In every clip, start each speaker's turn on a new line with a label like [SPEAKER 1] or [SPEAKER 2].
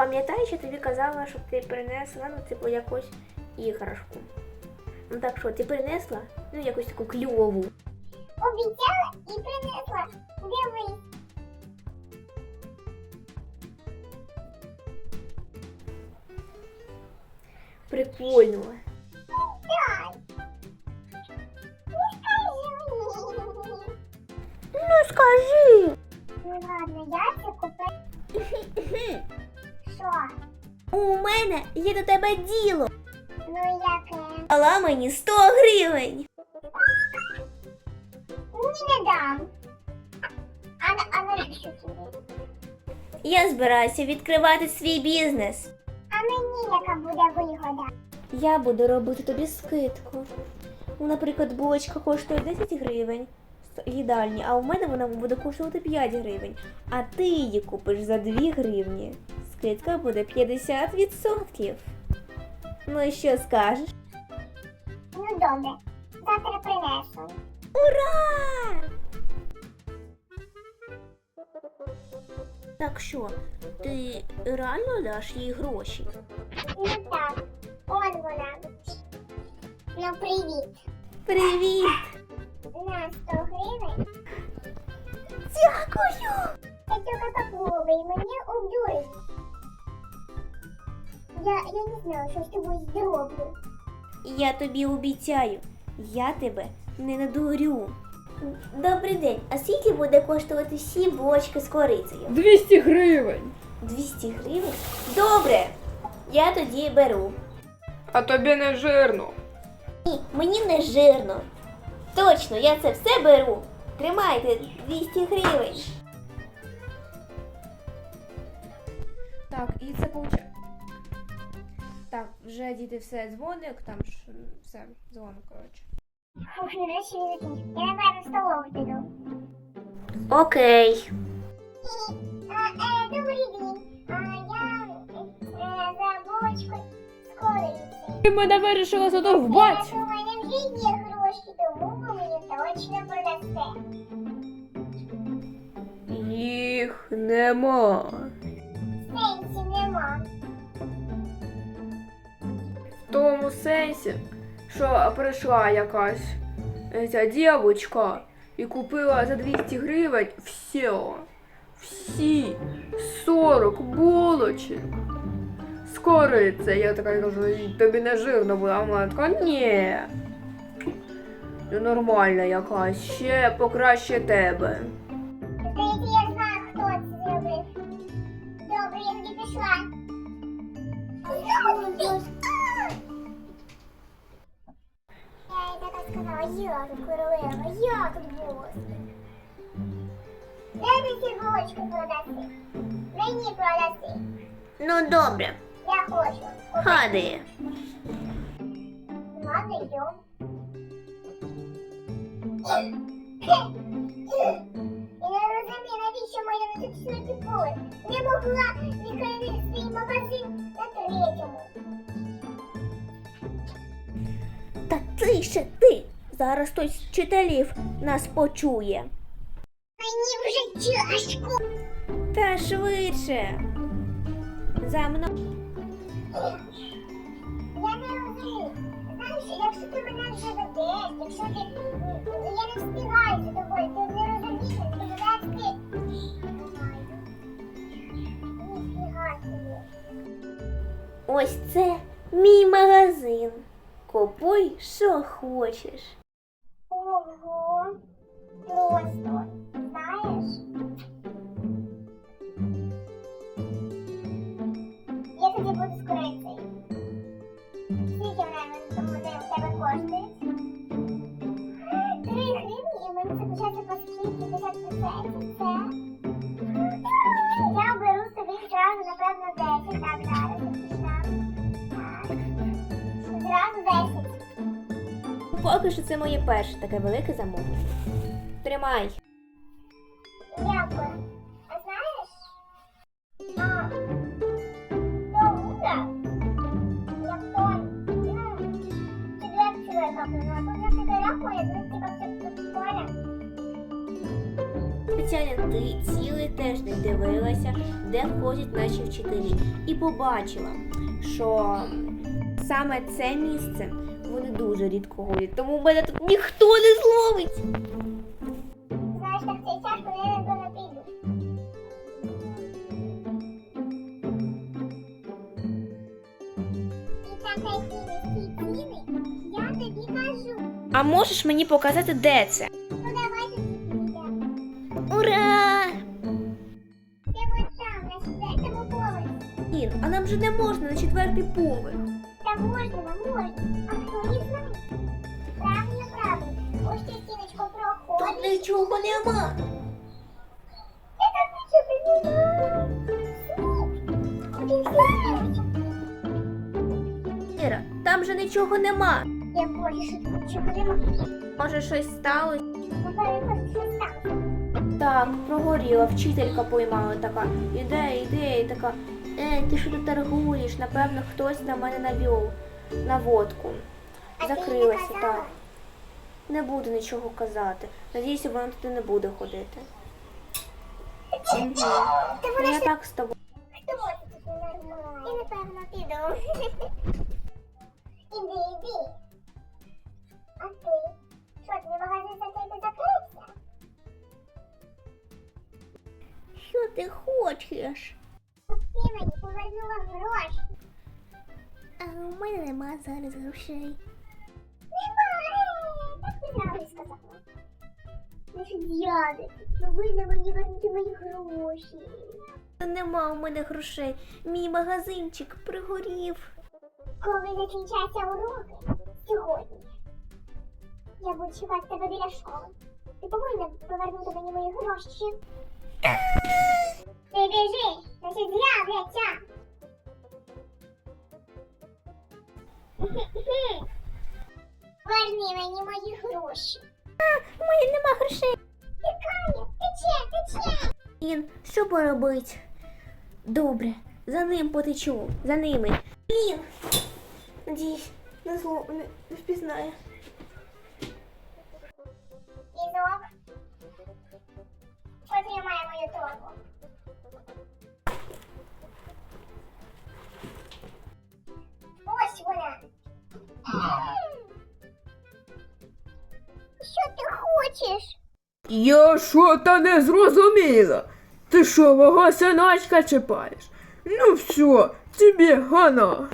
[SPEAKER 1] пам'ятаєш, я тобі казала, щоб ти принесла, ну, типу, якусь іграшку. Ну так що, ти принесла? Ну, якусь таку кльову.
[SPEAKER 2] Обіцяла і принесла. Дивись.
[SPEAKER 1] Прикольно.
[SPEAKER 2] Дай. Не скажи мені.
[SPEAKER 1] Ну, скажи.
[SPEAKER 2] Ну ладно, я це купила. Що?
[SPEAKER 1] У мене є до тебе діло.
[SPEAKER 2] Ну яке?
[SPEAKER 1] Дала мені 100 гривень.
[SPEAKER 2] Ні, не дам. А навіщо тобі?
[SPEAKER 1] Я збираюся відкривати свій бізнес.
[SPEAKER 2] А мені яка буде вигода?
[SPEAKER 1] Я буду робити тобі скидку. Ну, наприклад, булочка коштує 10 гривень з їдальні, а у мене вона буде коштувати 5 гривень. А ти її купиш за 2 гривні. Скидка буде 50%. Ну і що скажеш?
[SPEAKER 2] Ну добре, завтра принесу.
[SPEAKER 1] Ура! Так що, ти реально даш їй гроші?
[SPEAKER 2] Ну так, он вона. Ну привіт.
[SPEAKER 1] Привіт!
[SPEAKER 2] На 100 гривень.
[SPEAKER 1] Дякую!
[SPEAKER 2] Це тільки попробуй, мені обдурить. Я не знаю, що з тобою зроблю.
[SPEAKER 1] Я тобі обіцяю, я тебе не надурю. Добрий день, а скільки буде коштувати всі булочки з корицею?
[SPEAKER 3] 200 гривень.
[SPEAKER 1] 200 гривень? Добре, я тоді беру.
[SPEAKER 3] А тобі не жирно.
[SPEAKER 1] Ні, мені не жирно. Точно, я це все беру. Тримайте 200 гривень.
[SPEAKER 3] Так, і це получає. Так, вже діти все дзвоник, там ж все, дзвоник, коротше.
[SPEAKER 2] Фух, нарешті не закінчив. Я, напевно, в столову піду.
[SPEAKER 1] Окей.
[SPEAKER 2] Добрий день. Я за булочку з корицею.
[SPEAKER 3] Ти мене вирішила задовбать.
[SPEAKER 2] У мене вже є гроші, тому ви мені точно продасте.
[SPEAKER 3] Їх нема.
[SPEAKER 2] Сенсі нема.
[SPEAKER 3] В тому сенсі, що прийшла якась ця дівчинка і купила за 200 гривень всі 40 булочок з корицею. Я така кажу, тобі не жирно було, а вона така, ні. Ну, нормальна якась, ще покраще тебе.
[SPEAKER 2] Здається, я знаю, хто це зробив. Добре, я тоді пішла. Я їй така сказала, я тут королева, я тут бос. Де ти ці булочки продаси? Мені продаси.
[SPEAKER 1] Ну добре,
[SPEAKER 2] Я хочу.
[SPEAKER 1] ходи.
[SPEAKER 2] Ладно, йдем. Я не розумію, навіщо моя неточна пікує. Не могла відкрити свій магазин на третьому.
[SPEAKER 1] Та тише ти! Зараз хтось з вчителів нас почує.
[SPEAKER 2] Мені вже тяжко.
[SPEAKER 1] Та швидше. За мною.
[SPEAKER 2] Я не розумію. Знаєш, якщо ти мене вже ведеш, якщо ти... Я не встигаю за тобою, ти не розумієш, ти ведеш ти... Ніфіга собі.
[SPEAKER 1] Ось це мій магазин. Купуй, що хочеш.
[SPEAKER 2] Ого. Просто. Знаєш? Я тоді буду з корицею. Скільки вони у тебе коштують? 3 гривні, і мені це почається по скільки? 50%. Це? Я беру собі зразу, напевно, 10. Так, зараз я пішла. Так. Зразу 10.
[SPEAKER 1] Поки що це моє перше таке велике замовлення. Тримай.
[SPEAKER 2] Дякую. А знаєш? До утра, як то, четвер чоловіка, а тут вже 4 рахує, тут типа все поля.
[SPEAKER 1] Звичайно, ти цілий тиждень дивилася, де ходять наші вчителі, і побачила, що саме це місце вони дуже рідко ходять, тому мене тут ніхто не зловить.
[SPEAKER 2] Знаєш, так цей час, коли я напевно піду. І це красиві ці ціни, я тобі кажу.
[SPEAKER 1] А можеш мені показати, де це?
[SPEAKER 2] Ну давайте підемо.
[SPEAKER 1] Ура!
[SPEAKER 2] Це от там, на 4-му поверсі.
[SPEAKER 1] Блін, а нам же не можна на 4-й поверх.
[SPEAKER 2] Та можна, можна. А хто не знає? Правильно, правильно. Ось цю стіночку
[SPEAKER 1] Тут
[SPEAKER 2] проходиш.
[SPEAKER 1] нічого нема.
[SPEAKER 2] Та там нічого немає. Куди знаєш?
[SPEAKER 1] Іра, там же нічого нема.
[SPEAKER 2] Я бачу, що тут нічого немає.
[SPEAKER 1] Може, щось сталося?
[SPEAKER 2] Напевно, що сталося.
[SPEAKER 1] Так, прогоріла, вчителька поймала така. Іде, і така. Ти що тут торгуєш? Напевно, хтось на мене навів наводку.
[SPEAKER 2] А ти не
[SPEAKER 1] Закрилася,
[SPEAKER 2] казала?
[SPEAKER 1] так. Не буду нічого казати. Надіюся, вона туди не буде ходити. Мгм.
[SPEAKER 2] Та
[SPEAKER 1] Ну,
[SPEAKER 2] вона
[SPEAKER 1] я
[SPEAKER 2] ж
[SPEAKER 1] так з тобою.
[SPEAKER 2] хто це тут ненормальний? Я напевно піду. Іди. А ти? Що, твій магазин закрився?
[SPEAKER 1] Що ти хочеш?
[SPEAKER 2] Ти мені повернула гроші.
[SPEAKER 1] А у мене нема зараз грошей.
[SPEAKER 2] Немає. Так ти зразу сказала. Наші дяди, повинна мені вернути мої гроші.
[SPEAKER 1] Та нема у мене грошей. Мій магазинчик пригорів.
[SPEAKER 2] Коли закінчаться уроки сьогодні, я буду чекати тебе біля школи. Ти повинна повернути мені мої гроші. Ти біжи, значить з'являться. Верни мені мої гроші.
[SPEAKER 1] У мене нема грошей.
[SPEAKER 2] Тікає, тече.
[SPEAKER 1] Ін, що поробить? Добре, за ним потечу, за ними. Блін! Надіюсь, не впізнає.
[SPEAKER 2] Візок. Потримай мою торбу. Ось вона. Що ти хочеш?
[SPEAKER 3] Я що-то не зрозуміла. Ти що, мого синочка чіпаєш? Ну все, тобі гана.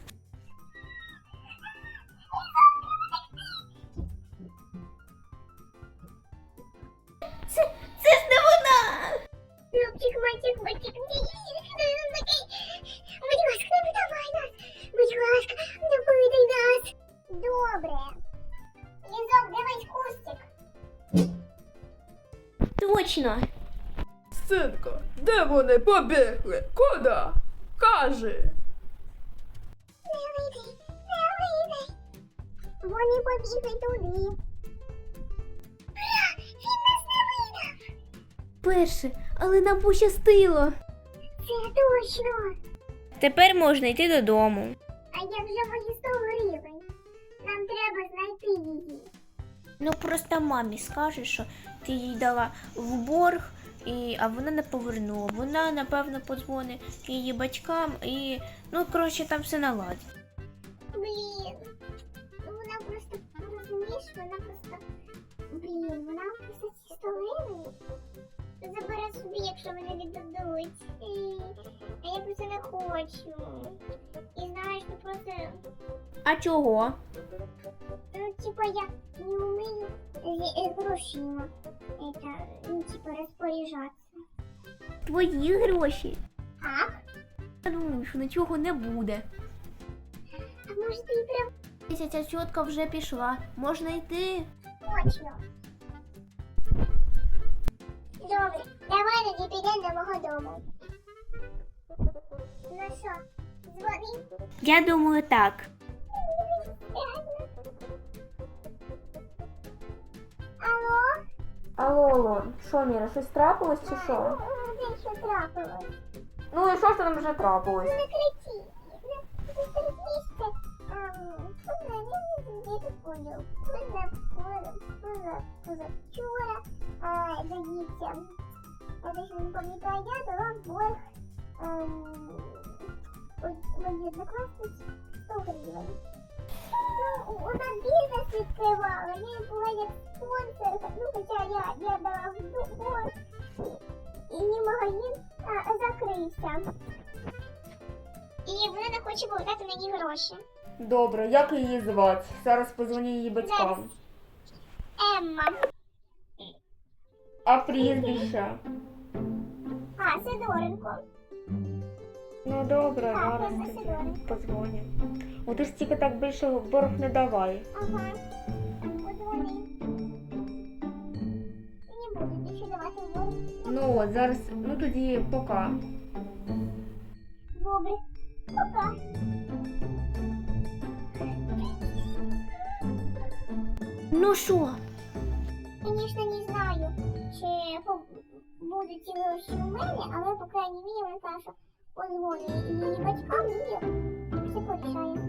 [SPEAKER 1] Це ж не вона!
[SPEAKER 2] Любчик, мальчик, будь ласка, не видавай нас. Будь ласка, не видай нас. Добре. Лізок, дивись кустик.
[SPEAKER 1] Точно!
[SPEAKER 3] Синко, де вони побігли? Куди? Кажи.
[SPEAKER 2] Не видай. Вони побігли туди. Він нас не видав.
[SPEAKER 1] Перше, але нам пощастило.
[SPEAKER 2] Це точно.
[SPEAKER 1] Тепер можна йти додому.
[SPEAKER 2] А як же мої 100 гривень? Нам треба знайти її.
[SPEAKER 1] Ну просто мамі скажеш, що ти їй дала в борг, а вона не повернула. Вона, напевно, подзвонить її батькам і, ну, коротше, там все наладить.
[SPEAKER 2] Блін. Вона просто, розумієш, вона просто ці 100 гривень забере собі, якщо мене віддадуть. А я просто не хочу. І знаєш, ти просто,
[SPEAKER 1] А чого?
[SPEAKER 2] ну, типа, я не вмію грошима, розпоряджатися.
[SPEAKER 1] Твої гроші.
[SPEAKER 2] Так?
[SPEAKER 1] Я думаю, що нічого не буде.
[SPEAKER 2] А може ти і прям
[SPEAKER 1] Ця тітка вже пішла. Можна йти?
[SPEAKER 2] точно? Добре, давай тоді підемо до мого дому. Ну що, дзвони?
[SPEAKER 1] Я думаю, так.
[SPEAKER 2] Алло?
[SPEAKER 1] Алло, що, Міра, щось трапилось чи що?
[SPEAKER 2] Де що трапилось?
[SPEAKER 1] Ну і що ж там вже трапилось?
[SPEAKER 2] Не кричи. Не стерпішся. Я тут понял. Позавчора, здається, Это еще не пам'ятаю, я дала в борг моїй однокласниці 100 гривень. Ну, вона бізнес відкривала, я їй була як спонсорка, ну, хоча я дала в борг, і її магазин закрився. І вона не хоче повертати мені гроші.
[SPEAKER 3] Добре, як її звати? Зараз позвоню її батькам.
[SPEAKER 2] Емма.
[SPEAKER 3] А прізвище?
[SPEAKER 2] Сидоренко.
[SPEAKER 3] Ну добре,
[SPEAKER 2] Так,
[SPEAKER 3] зараз
[SPEAKER 2] Емма
[SPEAKER 3] тоді
[SPEAKER 2] Сидоренко.
[SPEAKER 3] позвоню. О, ти ж тільки так більше в борг не давай.
[SPEAKER 2] Ага. Подзвони. Не буду більше давати в борг.
[SPEAKER 3] Ну от, зараз, ну тоді пока.
[SPEAKER 2] Добре. Пока.
[SPEAKER 1] Ну що?
[SPEAKER 2] Звісно, не знаю, чи будуть ці гроші у мене, але, по крайній мірі, вона каже, що позвонить її батькам і все порішає.